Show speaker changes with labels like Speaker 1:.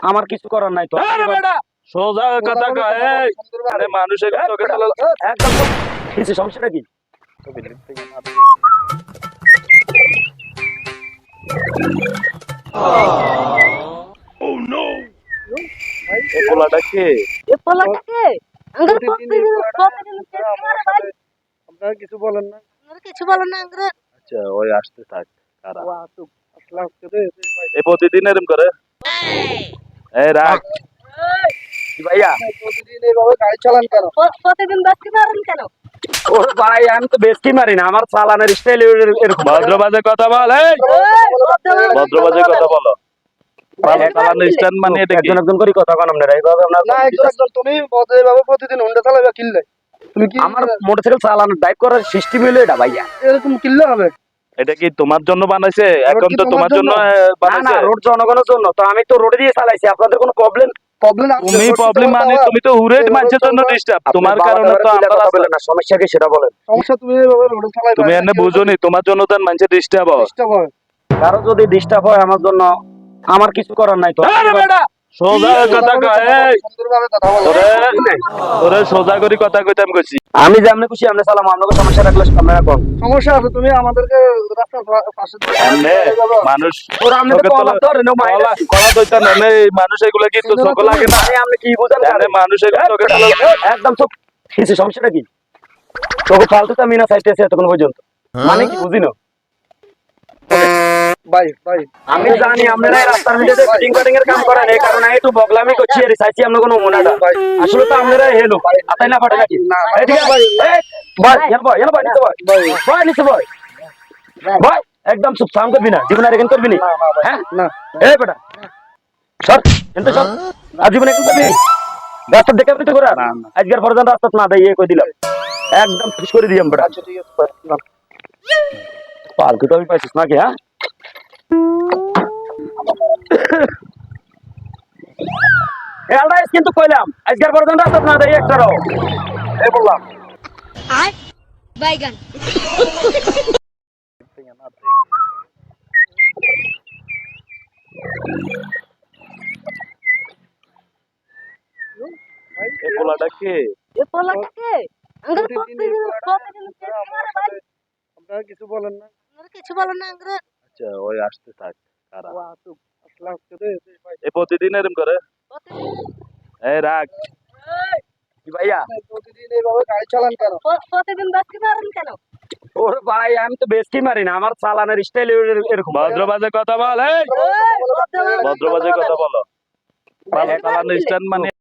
Speaker 1: আমার কিছু করার নাই তো।
Speaker 2: আরে বেটা সোজা কথা কয় এই আরে মানুষের চোখে
Speaker 1: একদম কিছু সমস্যাটা কি?
Speaker 2: এই পোলাটা কে?
Speaker 3: এ পোলাটাকে আঙ্গুর প্রতিদিন চেষ্টা করে ভাই।
Speaker 4: আপনারা কিছু বলেন না।
Speaker 3: আপনারা কিছু বলেন না আঙ্গুর।
Speaker 2: আচ্ছা ওই আসতে থাক কারা
Speaker 4: ও আসুক, আসলে আজকে দে, দে ভাই।
Speaker 2: এই প্রতিদিন এরকম করে এই রাখ
Speaker 1: কি ভাইয়া?
Speaker 4: প্রতিদিন এইভাবে গাড়ি চালান কেন?
Speaker 3: প্রতিদিন বাসকে মারেন কেন?
Speaker 1: ওরে ভাই আমি তো বেশি মারি না, আমার চালানের স্টাইল এরকম।
Speaker 2: ভদ্রবাজে কথা বল এই ভদ্রবাজে কথা বলো চালানোর স্ট্যান্ড মানে এটা কি?
Speaker 1: একজন একজন করে কথা কন আপনারা, এইভাবে
Speaker 4: না একজন একজন তুমি এইভাবে প্রতিদিন হুন্ডা চালাবে কিনলে? তুমি কি
Speaker 1: আমার মোটরসাইকেল চালানোর ড্রাইভ করার সিস্টেম হলো এটা ভাইয়া।
Speaker 4: এরকম কিনলে হবে?
Speaker 2: এটা কি তোমার জন্য বানাইছে? এখন
Speaker 4: কি
Speaker 2: তো
Speaker 4: তোমার
Speaker 2: তোমার জন্য
Speaker 4: জন্য?
Speaker 1: না না,
Speaker 2: বানাইছে।
Speaker 1: রোড জনগণের জন্য তো, আমি তো রোডে দিয়ে চালাইছি, আপনাদের কোনো প্রবলেম?
Speaker 4: প্রবলেম
Speaker 2: তুমি প্রবলেম মানে তুমি তো হুরেট মানুষের জন্য ডিস্টার্ব তোমার কারণে তো আমরা
Speaker 1: কথা বলেন না, সমস্যা কি সেটা বলেন।
Speaker 4: সমস্যা তুমি এইভাবে রোডে চালাবে।
Speaker 2: তুমি এনে বুঝোনি তোমার জন্য তো মানুষের ডিস্টার্ব হয়।
Speaker 4: ডিস্টার্ব হয়।
Speaker 1: কারো যদি ডিস্টার্ব হয় আমার জন্য, আমার কিছু করার নাই তো।
Speaker 2: আরে বেটা সোজা কথা কয় এই
Speaker 4: সুন্দরভাবে কথা বলো।
Speaker 2: তোরে সোজা করে কথা কইতাম কইছি
Speaker 1: আমি যে আপনি খুশি আপনি চালাম, আপনাকে সমস্যা রাখলে আপনারা কোন
Speaker 4: সমস্যা আছে, তুমি আমাদেরকে রাস্তার পাশে দিয়ে
Speaker 2: এমনে মানুষ
Speaker 1: ওরা আপনি
Speaker 2: চোখে
Speaker 1: কলা
Speaker 2: তোলা-
Speaker 1: ধরে নো মাইলা।
Speaker 2: কলা দইতা না এই মানুষ এগুলো কি তো চোখ লাগে না
Speaker 1: আমি আপনি কি বুঝেন?
Speaker 2: এমনে মানুষ এগুলো চোখে তোলা
Speaker 1: একদম চুপ। কিছু সমস্যাটা কি? তোকে ফালতু তো আমি না চাইতেছি এতক্ষণ পর্যন্ত, মানে কি বুঝি না?
Speaker 4: ভাই ভাই
Speaker 1: আমি জানি আপনারা এই রাস্তার মধ্যে ফিটিং কাটিং এর কাম করেন, এই কারণে একটু বগলামি করছি আর চাইছি আমরা কোনো মনাটা। আসলে তো আপনারা হেলো আতাই না পারে নাকি?
Speaker 4: না,
Speaker 1: এই ঠিক আছে ভাই, এই ভাই এলো ভাই নিচে ভাই, ভাই নিচে ভাই, ভাই একদম চুপ, সাম করবি না, জীবনে আর এখান করবি না। হ্যাঁ
Speaker 4: না
Speaker 1: এই বেটা সর এনতে সর, আর জীবনে এখান করবি রাস্তা দেখে আপনি তো করে আজকের পর্যন্ত রাস্তা না দেয় কই দিলাম, একদম ফিস করে দিলাম বেটা।
Speaker 4: আচ্ছা ঠিক আছে ভাই, না।
Speaker 1: পালতু তো আমি পাইছিস নাকি? হ্যাঁ কিন্তু কইলাম আজকের পর্যন্ত রাস্তা না দেয় একটারও, এই বললাম।
Speaker 3: আয় বাইগান।
Speaker 2: এই পোলাটা কে?
Speaker 3: এ পোলাটাকে আঙ্গুর
Speaker 4: প্রতিদিন
Speaker 3: প্রতিদিন চেষ্টা করে ভাই।
Speaker 4: আপনারা কিছু বলেন না।
Speaker 3: আপনারা কিছু বলেন না আঙ্গুর।
Speaker 2: আচ্ছা ওই আসতে থাক কারা
Speaker 4: ও আসুক, আসলে আজকে দে, দে ভাই।
Speaker 2: এই প্রতিদিন এরকম করে এই রাখ
Speaker 1: কি ভাইয়া?
Speaker 4: প্রতিদিন এইভাবে গাড়ি চালান কেন?
Speaker 3: প্রতিদিন বাসকে মারেন কেন?
Speaker 1: ওরে ভাই আমি তো বেশি মারি না, আমার চালানের স্টাইল এরকম।
Speaker 2: ভদ্রবাজে কথা বল এই ভদ্রবাজে কথা বলো চালানোর স্ট্যান্ড মানে